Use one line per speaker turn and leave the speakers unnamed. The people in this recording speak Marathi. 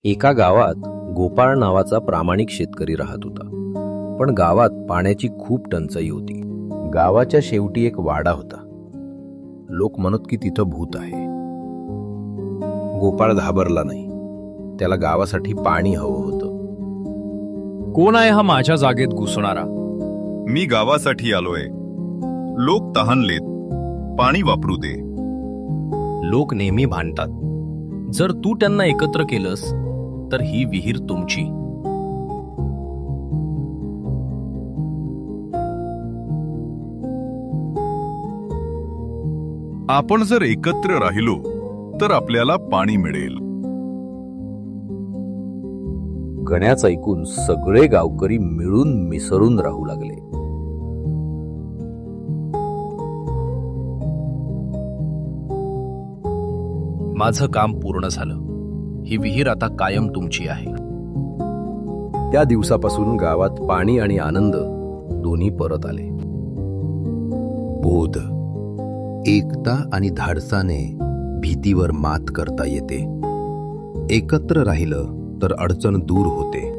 एका गावात गोपाळ नावाचा प्रामाणिक शेतकरी राहत होता. पण गावात पाण्याची खूप टंचाई होती. गावाच्या शेवटी एक वाडा होता. लोक म्हणत की तिथं भूत आहे. गोपाळ घाबरला नाही. त्याला गावासाठी पाणी हवं होतं.
कोण आहे हा माझ्या जागेत घुसणारा?
मी गावासाठी आलोय. लोक तहानलेत, पाणी वापरू दे.
लोक नेहमी भांडतात. जर तू त्यांना एकत्र केलंस तर ही विहीर तुमची.
आपण जर एकत्र राहिलो तर आपल्याला पाणी मिळेल.
गण्याचं ऐकून सगळे गावकरी मिळून मिसळून राहू लागले.
माझं काम पूर्ण झालं. ही विहीर आता कायम तुमची आहे.
त्या दिवसापासून गावात पाणी आणि आनंद दोन्ही परत आले. बोध, एकता आणि धाडसाने भीतीवर मात करता येते. एकत्र राहिलं तर अडचण दूर होते.